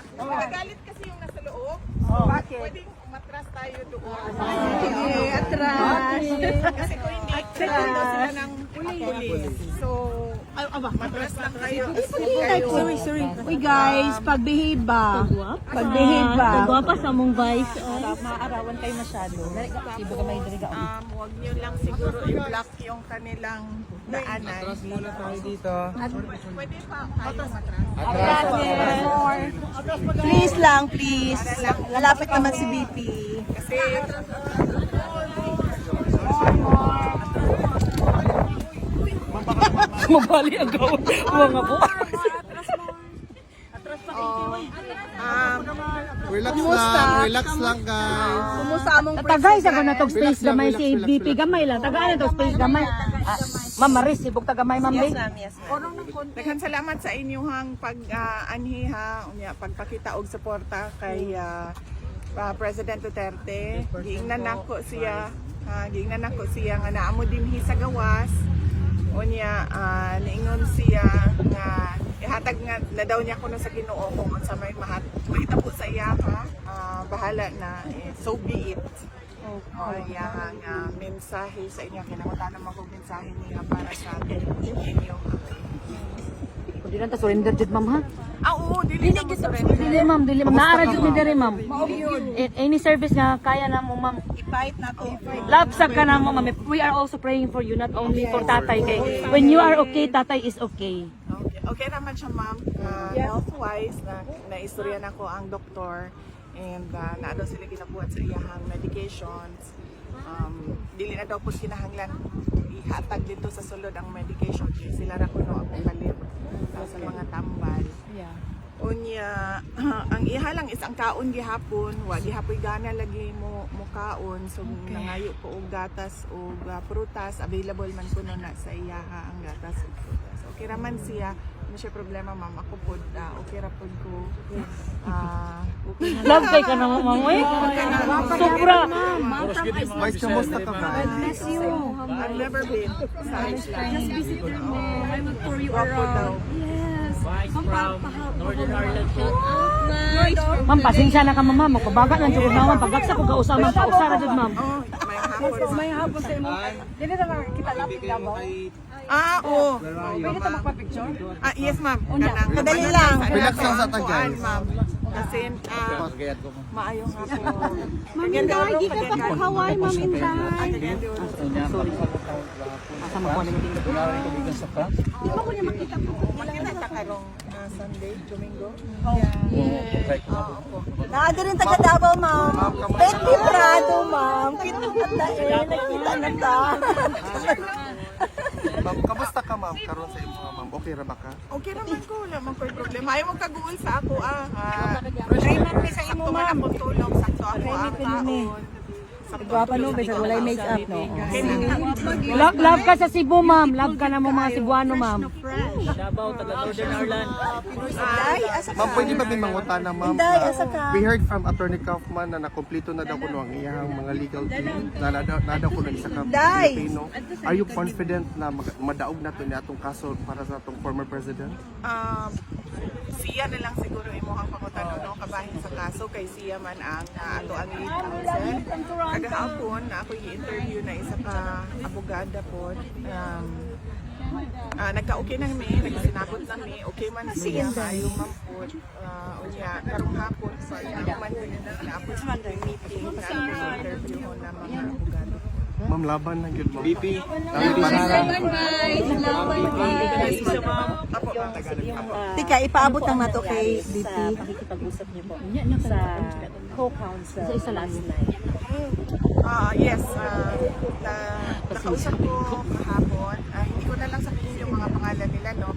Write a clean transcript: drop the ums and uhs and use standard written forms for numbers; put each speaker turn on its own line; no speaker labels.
Magalit kasi yung nasa loob.
Bakit?
Pwedeng umatras tayo doon.
Sige, atras.
Kasi kung hindi, second daw sila ng pulis. So, matras lang kayo.
Sorry. Uy guys, pag-behave ba? Pag-behave ba?
Gwapa sa mong vice.
Maarawan kayo masyado. Ibo ka may diriga.
Huwag nyo lang siguro i-block yung kanilang daanan.
Muna tayo dito.
Pwede pa kayo matras.
Please lang, please. Lalapit naman si BP.
Kasi,
Mabali ang gawin. Mga po.
Relax lang guys.
Kumusta among
Tagay sa
president?
na tog space gamay si BP gamay lang. Tagay na tog space gamay. Ma'am Maris, sibog tagamay ma'am
Yes
Big.
ma'am, yes ma'am.
daghan salamat sa inyong pag-anhiha, pagpakita og suporta kay President Duterte. Giingnan nako siya, nga naamo dinhi sa gawas. Unya niingon siya nga ihatag nga na daw niya kuno sa Ginoo kung unsa may mahitabo sa iya bahala na so be it. Iya nga mensahe sa inyo kinahanglan naman kog mensahe niya para sa inyo.
Di lang ta surrender jud ma'am ha.
Oo, dili na surrender.
Dili ma'am, dili ma'am. Naara jud ni diri ma'am. Any service nga kaya na mo ma'am.
I-fight na to.
Lapsag ka na mo ma'am. We are also praying for you, not only for tatay kay. When you are okay, tatay is okay.
Okay naman siya ma'am. Health-wise, na-istorya na ko ang doktor and na daw sila ginabuhat sa iyahang medications. Dili na daw po kinahanglan ihatag dito sa sulod ang medication. Sila ra kuno ang palit sa mga tambal. Unya, ang iha lang is ang kaon gihapon, wa gihapoy gana lagi mo kaon, so nangayo ko og gatas og prutas, available man kuno na sa iyaha ang gatas ug prutas. Okay ra man siya, ano siya problema ma'am, ako pod okay ra pod ko. Okay na.
Love kay ka na ma'am eh. Sobra.
Vice, kamusta ka ba?
I've never been sa Iceland.
Just visit your mom. I will tour you
Wapo daw.
around. Yes.
Northern Ireland siya.
Ma'am, pasensya na ka ma'am. Magpabaga lang jud na ma'am. Pagagsa ko kausa ma'am, kausara jud ma'am.
Oh, may hapon.
Hapon sa imo. Dili na makita lapit Davao.
Oo.
Pwede ta magpa-picture?
Yes ma'am. Kanang
Madali lang.
Relax lang sa tagay.
Ma'am. Kasi
Pagayat ko mo.
maayong ako.
Ma'am Inday, di ka pa po Hawaii, Ma'am Inday.
Asa mo ko ning
Di ba ko niya makita po?
Magkita ka karong Sunday, Domingo.
Naado rin taga Davao, Ma'am. Betty Prado, Ma'am. Nakita na ta.
Ma'am, kamusta ka ma'am? Karon sa imo ma'am. Okay ra ba ka?
Okay naman ko, wala man ko'y problema. Ayaw mong kaguol sa ako
Try man mi sa imo,
Sakto man
Ma'am.
akong tulong, sakto ako ang taon.
Gwapa no, bisa walay make-up, no?
Love ka sa Cebu ma'am. Love ka na mo mga Cebuano ma'am.
Davao, taga Northern Ireland.
Inday, asa ka?
Ma'am, pwede ba may mangutana ma'am?
Inday, asa ka?
We heard from Attorney Kaufman na nakompleto na daw kuno ang iyang mga legal team. Na daw kuno isa ka
Inday!
Pilipino. Are you confident na madaog na to ni atong kaso para sa atong former president?
Siya na lang siguro imuhang pangutan no kabahin sa kaso kay siya man ang ato ang lead counsel. Kagahapon na ako i-interview na isa ka abogada po. Nagka-okay na mi, nagsinabot na mi, okay man siya, ayaw man po. Unya, karong hapon, so ayaw man din na naapos man yung meeting na interview ko na mga abogado.
Ma'am, laban lang yun ma'am. BP.
Tika, ipaabot ang nato kay BP.
Pakikipag-usap niyo po sa co-counsel sa isa last night.
Yes, nakausap ko kahapon. Hindi ko na lang sabihin yung mga pangalan nila, no?